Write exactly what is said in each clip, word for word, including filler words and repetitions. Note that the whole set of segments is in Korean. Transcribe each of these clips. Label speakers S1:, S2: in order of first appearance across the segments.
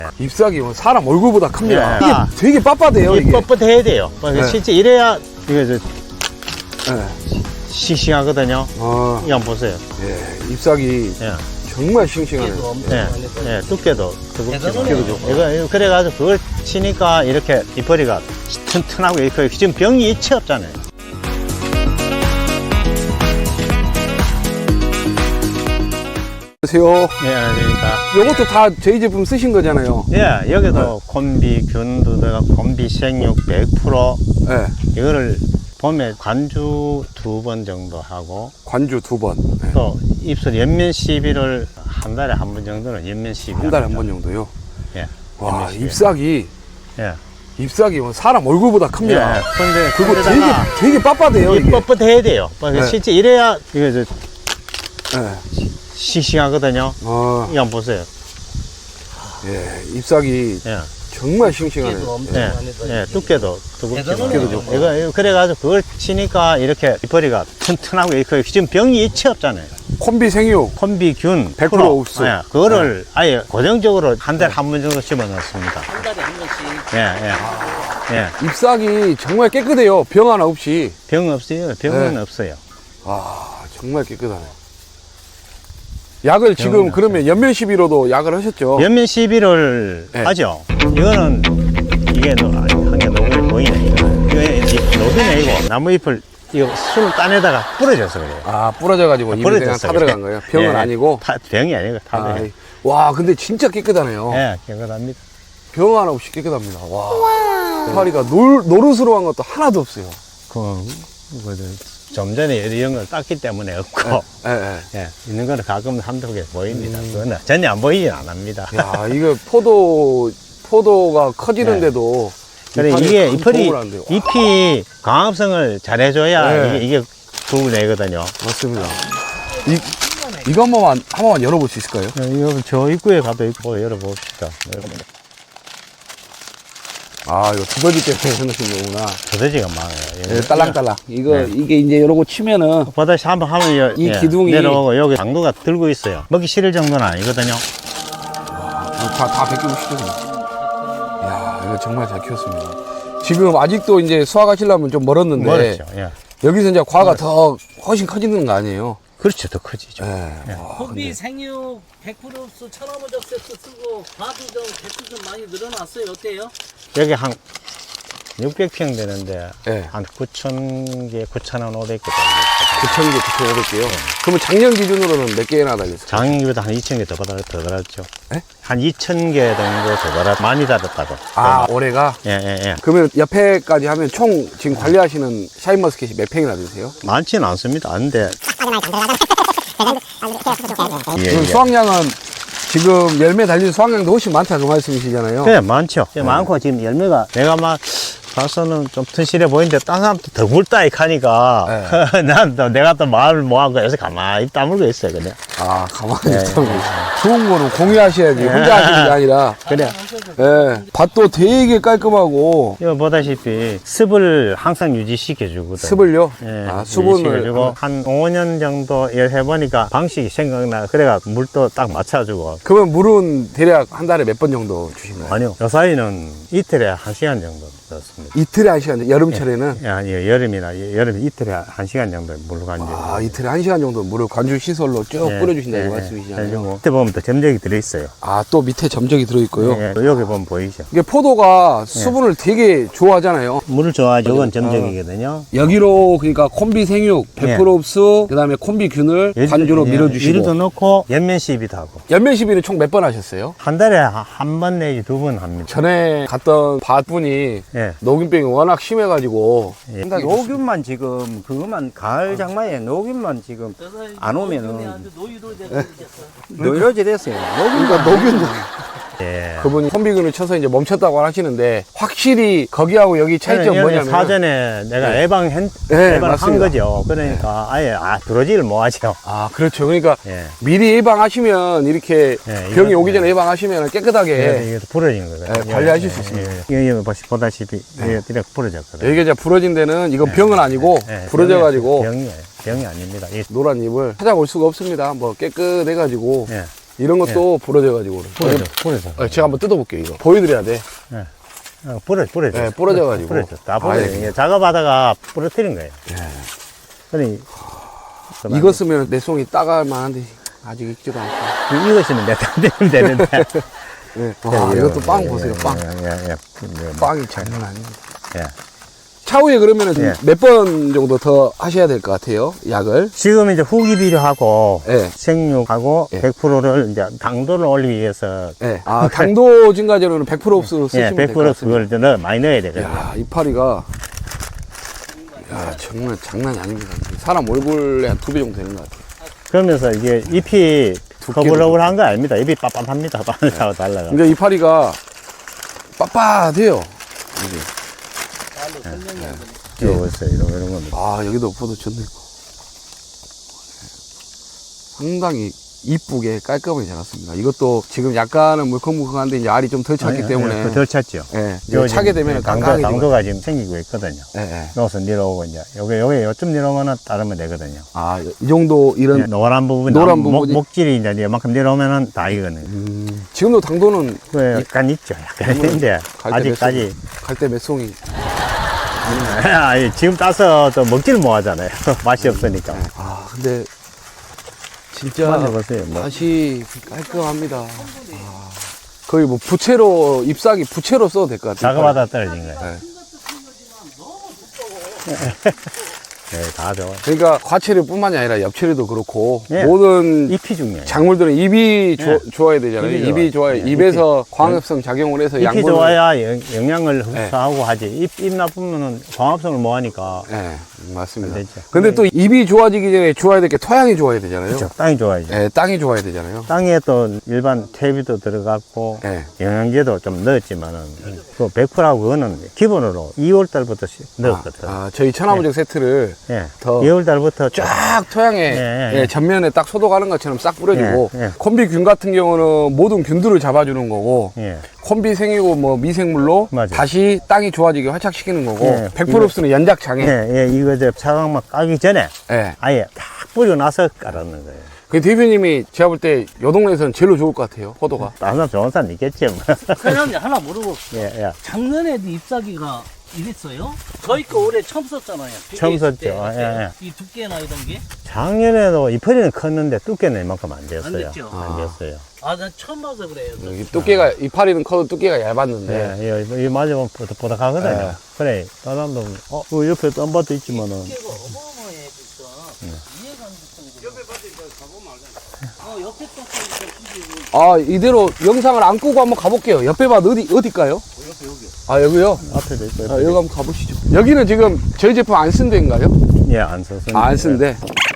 S1: 잎사귀 사람 얼굴보다 큽니다.
S2: 예.
S1: 이게
S2: 아.
S1: 되게 빳빳해요.
S2: 이게
S1: 이게.
S2: 뻣뻣해야 돼요.
S1: 네.
S2: 실제 이래야 이게 저
S1: 네.
S2: 싱싱하거든요.
S1: 아,
S2: 이거 한번 보세요.
S1: 예. 잎사귀
S2: 예.
S1: 정말 싱싱하네요.
S2: 예. 예. 두께도 두껍지만.
S1: 두께도 좋고.
S2: 이거, 이거 그래가지고 그걸 치니까 이렇게 잎허리가 튼튼하고 이렇게 지금 병이 일체 없잖아요.
S1: 안녕하세요.
S2: 예, 그러니까.
S1: 이것도 다 저희 제품 쓰신 거잖아요.
S2: 예, 여기도 콤비 균도 들어가고 콤비 생육 백 퍼센트
S1: 예.
S2: 이거를 봄에 관주 두 번 정도 하고
S1: 관주 두 번. 예.
S2: 또 입술 연면 시비를 한 달에 한 번 정도는 연면 시비
S1: 한 달에 한 번 정도요.
S2: 예.
S1: 와,
S2: 연면 시비.
S1: 잎사귀.
S2: 예.
S1: 잎사귀 사람 얼굴보다 큽니다.
S2: 예. 근데
S1: 그리고 되게,
S2: 거기다가
S1: 되게 빳빳해요.
S2: 이게
S1: 이게.
S2: 뻣뻣해야 돼요.
S1: 네.
S2: 실제 이래야 이게 저
S1: 예.
S2: 싱싱하거든요.
S1: 아,
S2: 이거 한번 보세요.
S1: 예. 잎사귀
S2: 예.
S1: 정말 싱싱하네요.
S2: 예. 예. 두께도 두껍지만.
S1: 두께도 좋고.
S2: 이거, 이거 그래가지고 그걸 치니까 이렇게 잎허리가 튼튼하고 이렇게 지금 병이 일체 없잖아요.
S1: 콤비 생육
S2: 콤비균
S1: 백 퍼센트 옵수.
S2: 예, 그거를 아예 고정적으로 한 달에 한 번 정도 집어넣습니다.
S3: 한 달에 한 번씩.
S2: 예, 예. 예.
S1: 잎사귀 정말 깨끗해요. 병 하나 없이.
S2: 병 없어요. 병은
S1: 네.
S2: 없어요.
S1: 아, 정말 깨끗하네. 약을 지금
S2: 병은
S1: 그러면 연면 시비로도 약을 하셨죠?
S2: 연면 시비를
S1: 네.
S2: 하죠. 이거는 이게 한 개 녹음이 보이네. 이거 이거 녹이네 이거. 나무 잎을 이거 술을 따내다가 부러져서 그래요.
S1: 아, 부러져가지고 입에 그냥 타 들어간 거예요? 병은
S2: 예,
S1: 아니고?
S2: 타, 병이 아니고 타.
S1: 아,
S2: 아,
S1: 와, 근데 진짜 깨끗하네요.
S2: 예, 깨끗합니다.
S1: 병 하나 없이 깨끗합니다. 와. 파리가 노, 노릇스러운 것도 하나도 없어요.
S2: 그, 그, 좀 전에 이런 걸 땄기 때문에 없고,
S1: 예, 예.
S2: 예, 있는 거는 가끔 한두 개 보입니다. 그거는 전혀 안 보이진 안 합니다.
S1: 야, 이거 포도, 포도가 커지는데도.
S2: 그래,
S1: 이
S2: 이게
S1: 큰
S2: 잎이,
S1: 도움을 한대요.
S2: 잎이 강합성을 잘 해줘야
S1: 네.
S2: 이게, 이게 도움을 내거든요.
S1: 맞습니다. 이, 이거 한 번만, 한 번만 열어볼 수 있을까요?
S2: 어, 이거 저 입구에 가도 있고 열어봅시다. 열어봅니다.
S1: 아, 이거 두더지 때문에 해놓으신 거구나.
S2: 두더지가 많아요.
S1: 예, 딸랑딸랑. 이거,
S2: 네.
S1: 이게 이제 이러고 치면은.
S2: 보다시 한번 하면 여-
S1: 이
S2: 예,
S1: 기둥이-
S2: 내려오고 여기 당도가 들고 있어요. 먹기 싫을 정도는 아니거든요.
S1: 다, 다 벗기고 싶거든요. 이야, 이거 정말 잘 키웠습니다. 지금 아직도 이제 수확하시려면 좀 멀었는데.
S2: 멀었죠. 예.
S1: 여기서 이제 과가 더 훨씬 커지는 거 아니에요?
S2: 그렇죠. 더 커지죠.
S1: 예. 와,
S3: 콤비
S1: 근데
S3: 생육 백 퍼센트 흡수 천하무적 세트 쓰고 과도 좀 개수 좀 많이 늘어났어요. 어때요?
S2: 여기 한 육백 평 되는데
S1: 예.
S2: 한 구천 개, 구천오백 개 달렸어요.
S1: 구천 개, 구천오백 개요? 그러면 작년 기준으로는 몇 개나 달렸어요?
S2: 작년보다 한 이천 개 더 달았, 더 달았죠.
S1: 예?
S2: 한 이천 개 정도 더 달았, 많이 달았다고.
S1: 아, 올해가?
S2: 예, 예, 예.
S1: 그러면 옆에까지 하면 총 지금 관리하시는 샤인머스켓이 몇 평이나 되세요?
S2: 많지는 않습니다. 안데. 예,
S1: 그럼
S2: 예.
S1: 수확량은 지금 열매 달린 수확량도 훨씬 많다 그 말씀이시잖아요?
S2: 네, 많죠. 많고 지금 열매가 내가 막 봐서는 좀 튼실해 보이는데 딴 사람도 더 굵다 이렇게 하니까 난 또 내가 또 마음을 모아서 요새 가만히 다물고 있어요 그냥.
S1: 아, 가만히
S2: 예,
S1: 있다고.
S2: 예.
S1: 좋은 거는 공유하셔야지. 혼자 하시는 게 아니라.
S2: 그래.
S1: 예. 밭도 되게 깔끔하고.
S2: 이거 보다시피 습을 항상 유지시켜 주거든.
S1: 습을요?
S2: 예,
S1: 아, 수분을.
S2: 유지시켜주고 한 오 년 정도 일 해보니까 방식이 생각나. 그래가 물도 딱 맞춰주고.
S1: 그러면 물은 대략 한 달에 몇 번 정도 주시나요?
S2: 아니요. 요 사이는 이틀에 한 시간 정도 넣습니다.
S1: 이틀에 한 시간, 여름철에는?
S2: 예, 아니 여름이나 여름 이틀에 한 시간 정도 물을 간죠.
S1: 아, 이틀에 한 시간 정도 물을 관주 시설로 쭉
S2: 예,
S1: 뿌려주신다고
S2: 예,
S1: 말씀이시잖아요.
S2: 해주고. 밑에 보면 또 점적이 들어있어요.
S1: 아, 또 밑에 점적이 들어있고요.
S2: 예, 여기 보면 보이죠.
S1: 이게 포도가 수분을 되게 좋아하잖아요.
S2: 물을 좋아하죠. 이건 점적이거든요.
S1: 여기로 그러니까 콤비 생육, 백 퍼센트
S2: 예.
S1: 흡수, 그 다음에 콤비 균을
S2: 예를-
S1: 관주로
S2: 예,
S1: 밀어주시고.
S2: 이리도 넣고 연면 시비도 하고.
S1: 연면 시비는 총 몇 번 하셨어요?
S2: 한 달에 한 번 내지 두 번 합니다.
S1: 전에 갔던 밭분이
S2: 예.
S1: 녹균병이 워낙 심해가지고
S2: 예.
S4: 녹균만 지금 그것만 가을 장마에 녹균만 지금 안 오면은
S3: 노유로 되고 있겠어.
S4: 노이로지 됐어요.
S1: 그러니까 녹균
S2: 예.
S1: 그분이 콤비균을 쳐서 이제 멈췄다고 하시는데 확실히 거기하고 여기 차이점
S2: 여기
S1: 뭐냐면
S2: 사전에 내가
S1: 네.
S2: 예방한
S1: 네,
S2: 예방한
S1: 맞습니다.
S2: 거죠. 그러니까 아예 아 들어지를 못 하죠.
S1: 아 그렇죠. 그러니까
S2: 예.
S1: 미리 예방하시면 이렇게
S2: 예,
S1: 병이
S2: 이건-
S1: 오기 전에 예방하시면 깨끗하게
S2: 예. 이게 부러진 거거든요.
S1: 예, 관리하실 수 있습니다.
S2: 예. 여기 보시- 보다시피 이게 이렇게 부러졌거든요.
S1: 여기가 이제 부러진 데는 이건 병은 아니고
S2: 예,
S1: 부러져가지고
S2: 병이 병이 아닙니다. 이-
S1: 노란 잎을 찾아올 수가 없습니다. 뭐 깨끗해가지고
S2: 예.
S1: 이런 것도 부러져가지고.
S2: 부러져, 부러져.
S1: 어, 제가 한번 뜯어볼게요, 이거. 보여드려야 돼.
S2: 어, 부러져, 부러져.
S1: 네, 부러져가지고.
S2: 부러져. 다
S1: 아,
S2: 부러져.
S1: 예.
S2: 이게 작업하다가 부러뜨린 거예요. 그러니,
S1: 이거 쓰면 내 송이 따갈 만한데, 아직 익지도 않고.
S2: 이거 쓰면 내가 되면 되는데.
S1: 네. 와, 이것도 빵
S2: 예,
S1: 보세요,
S2: 예,
S1: 빵.
S2: 예, 예, 예.
S1: 빵이 장난 아닙니다.
S2: 예.
S1: 차후에 그러면은
S2: 예.
S1: 몇 번 정도 더 하셔야 될 것 같아요, 약을.
S2: 지금 이제 후기 비료하고
S1: 예.
S2: 생육하고
S1: 예.
S2: 백 퍼센트를 이제 당도를 올리기 위해서
S1: 네. 아, 당도 증가제로는 백 퍼센트 흡수 쓰시면
S2: 예,
S1: 될
S2: 백
S1: 것
S2: 퍼센트
S1: 같습니다.
S2: 그걸 넣어, 많이 넣어야 되거든요.
S1: 야, 이파리가 야, 정말 장난이 아닙니다. 사람 얼굴에 한 두 배 정도 되는 것 같아요.
S2: 그러면서 이게 잎이
S1: 두께도
S2: 거불거불한 거 아닙니다. 잎이 빳빳합니다. 빳빳하고 달라가.
S1: 근데 이파리가 빳빳해요. 이게.
S2: 이거 보세요. 이런, 이런 겁니다.
S1: 아, 여기도 포도 쳤네. 상당히 이쁘게 깔끔하게 자랐습니다. 이것도 지금 약간은 물컹물컹한데 이제 알이 좀 덜 찼기
S2: 아니,
S1: 때문에.
S2: 예, 덜 찼죠.
S1: 예,
S2: 요
S1: 차게
S2: 지금
S1: 되면
S2: 당도,
S1: 깜깜해지고.
S2: 당도가 지금 생기고 있거든요.
S1: 예, 예.
S2: 여기서 내려오고 이제 여기 여기 요쯤 내려오면은 따르면 되거든요.
S1: 아, 이 정도 이런
S2: 예, 노란 부분,
S1: 노란
S2: 목,
S1: 부분이-
S2: 목질이 이제 이만큼 내려오면은 다 익거든요.
S1: 음, 지금도 당도는
S2: 그 약간 있죠. 약간 있는데
S1: 갈때
S2: 아직까지
S1: 갈때 몇 송이.
S2: 아니, 지금 따서 또 먹지를 못하잖아요. 맛이 없으니까.
S1: 아, 근데 진짜
S2: 만져보세요. 뭐.
S1: 맛이 깔끔합니다. 아, 거의 뭐 부채로 잎사귀 부채로 써도 될 것 같아요.
S2: 작업하다 떨어진 거예요.
S1: 네.
S2: 네, 다 좋아.
S1: 그러니까 과채류뿐만이 아니라 엽채류도 그렇고
S2: 예.
S1: 모든
S2: 잎이 중요해요.
S1: 작물들은 입이
S2: 예.
S1: 조- 좋아야 되잖아요.
S2: 잎이
S1: 입이 좋아요.
S2: 좋아요. 예,
S1: 입에서 광합성 작용을 해서
S2: 잎이
S1: 양분을
S2: 좋아야 영, 영양을
S1: 네.
S2: 흡수하고 하지. 잎, 잎 나쁘면은 광합성을 못 하니까.
S1: 네, 맞습니다.
S2: 안 되죠.
S1: 근데 또 입이 좋아지기 전에 좋아야 될 게 토양이 좋아야 되잖아요.
S2: 그렇죠. 땅이 좋아야죠.
S1: 네, 땅이 좋아야 되잖아요.
S2: 땅에 또 일반 퇴비도 들어갔고
S1: 네.
S2: 영양제도 좀 넣었지만은 그 백 퍼센트하고 그거는 기본으로 이월 달부터 시- 넣었거든.
S1: 아, 저희 천하무적 세트를
S2: 예.
S1: 더
S2: 이월 달부터
S1: 쫙 토양에
S2: 예, 예.
S1: 예, 전면에 딱 소독하는 것처럼 싹 뿌려주고
S2: 예, 예.
S1: 콤비균 같은 경우는 모든 균들을 잡아주는 거고
S2: 예.
S1: 콤비 생이고 뭐 미생물로
S2: 맞아요.
S1: 다시 땅이 좋아지게 활착시키는 거고
S2: 예,
S1: 백 퍼센트
S2: 이거-
S1: 흡수는 연작장애.
S2: 예, 예, 이거 이제 차광막 까기 전에
S1: 예.
S2: 아예 딱 뿌리고 나서 깔았는 거예요.
S1: 그 대표님이 제가 볼 때 요 동네에서는 제일로 좋을 것 같아요. 포도가.
S2: 다른 사람 좋은 사람 있겠지 뭐.
S3: 사장님 하나 물어볼게요.
S2: 예, 예.
S3: 작년에도 잎사귀가 이랬어요? 저희 거 올해 처음 썼잖아요. 비계
S2: 처음
S3: 있을
S2: 썼죠.
S3: 때
S2: 예, 예.
S3: 이 두께나 이런 게.
S2: 작년에도 이파리는 컸는데 두께는 이만큼 안 됐어요.
S3: 안 됐죠?
S2: 안 됐어요.
S3: 아, 난 처음 봐서 그래요.
S1: 여기 두께가 이파리는 커도 두께가 얇았는데
S2: 예, 예, 이 맞으면 보닥보닥하거든요.
S1: 예.
S2: 그래, 다른 사람도, 어, 그 옆에 딴 밭도 있지만은.
S3: 두께가 어마어마해 진짜. 이해가 안 됐어. 옆에 밭에 가보면 알잖아. 어, 옆에 밭에
S1: 아 이대로 영상을 안 끄고 한번 가볼게요. 옆에 밭 어디 어딜까요?
S3: 옆에 여기.
S1: 아 여기요?
S2: 앞에도 있고,
S1: 아,
S2: 옆에도
S1: 여기 한번 가보시죠. 여기는 지금 저희 제품 안 쓴 데인가요?
S2: 예, 안 썼어요.
S1: 아, 안 쓴데.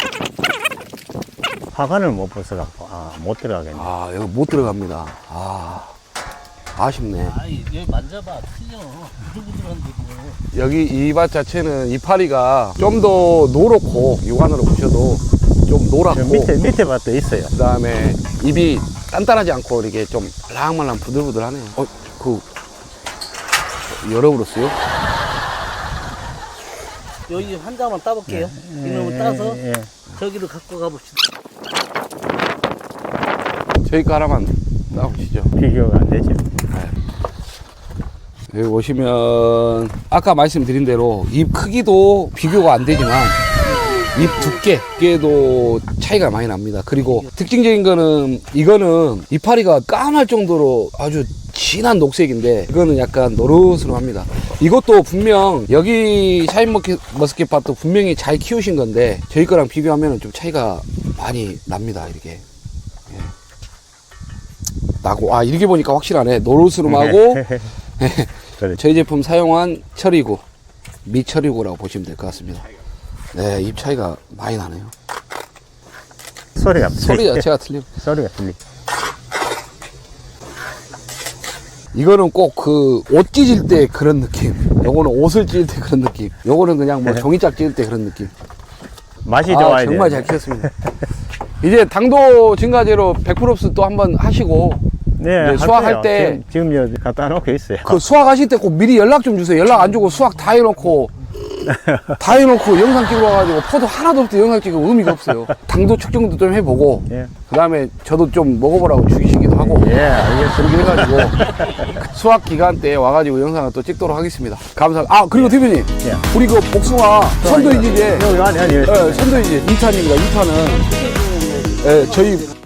S2: 화관을 못 벗어갖고, 아, 못 들어가겠네.
S1: 아 여기 못 들어갑니다. 아 아쉽네.
S3: 아이, 여기 만져봐. 틀려. 부들부들한데 뭐.
S1: 여기 이 밭 자체는 이파리가 좀 더 노랗고 육안으로 보셔도 좀
S2: 저
S1: 노랗고
S2: 밑에, 밑에 밭도 있어요.
S1: 그 다음에 입이 단단하지 않고 이렇게 좀 말랑말랑 부들부들하네요. 어, 그 열어버렸어요?
S3: 여기 한 장만 따볼게요. 이놈을
S2: 예,
S3: 따서
S2: 예, 예.
S3: 저기로 갖고 가봅시다.
S1: 저희 거 하나만 따보시죠.
S2: 비교가 안 되죠.
S1: 여기 오시면 아까 말씀드린 대로 잎 크기도 비교가 안 되지만 잎 두께, 두께도 차이가 많이 납니다. 그리고 특징적인 거는 이거는 이파리가 까말 정도로 아주 진한 녹색인데 이거는 약간 노릇스름합니다. 이것도 분명 여기 샤인머스켓 밭도 분명히 잘 키우신 건데 저희 거랑 비교하면 좀 차이가 많이 납니다. 이렇게 예. 나고 아 이렇게 보니까 확실하네. 노릇스름하고
S2: 그렇죠.
S1: 저희 제품 사용한 처리구, 미처리구라고 보시면 될 것 같습니다. 네, 잎 차이가 많이 나네요.
S2: 소리가
S1: 소리
S2: 틀리-
S1: 자체가 틀려.
S2: 소리가 틀리.
S1: 이거는 꼭 그 옷 찢을 때 그런 느낌. 요거는 옷을 찢을 때 그런 느낌. 요거는 그냥 뭐 종이짝 찢을 때 그런 느낌.
S2: 맛이
S1: 아,
S2: 좋아야
S1: 정말
S2: 돼요.
S1: 잘 키웠습니다. 이제 당도 증가제로 백 퍼센트 흡수 또 한번 하시고
S2: 네,
S1: 이제
S2: 할
S1: 수확할
S2: 거예요.
S1: 때-
S2: 지금, 지금 여기 갖다 놓고 있어요.
S1: 그 수확하실 때 꼭 미리 연락 좀 주세요. 연락 안 주고 수확 다 해놓고 다 해놓고 영상 찍으러 와가지고 포도 하나도 없을 때 영상 찍으면 의미가 없어요. 당도 측정도 좀 해보고
S2: 예.
S1: 그 다음에 저도 좀 먹어보라고 죽이시기도 하고
S2: 예, 알겠습니다.
S1: 그렇게 해가지고 수확 기간 때 와가지고 영상을 또 찍도록 하겠습니다. 감사합니다. 아 그리고 대표님
S2: 예.
S1: 우리 그 복숭아 선도이제
S2: 여기 안에, 안에.
S1: 예, 선도이제 이 탄입니다. 이 탄은 예, 저희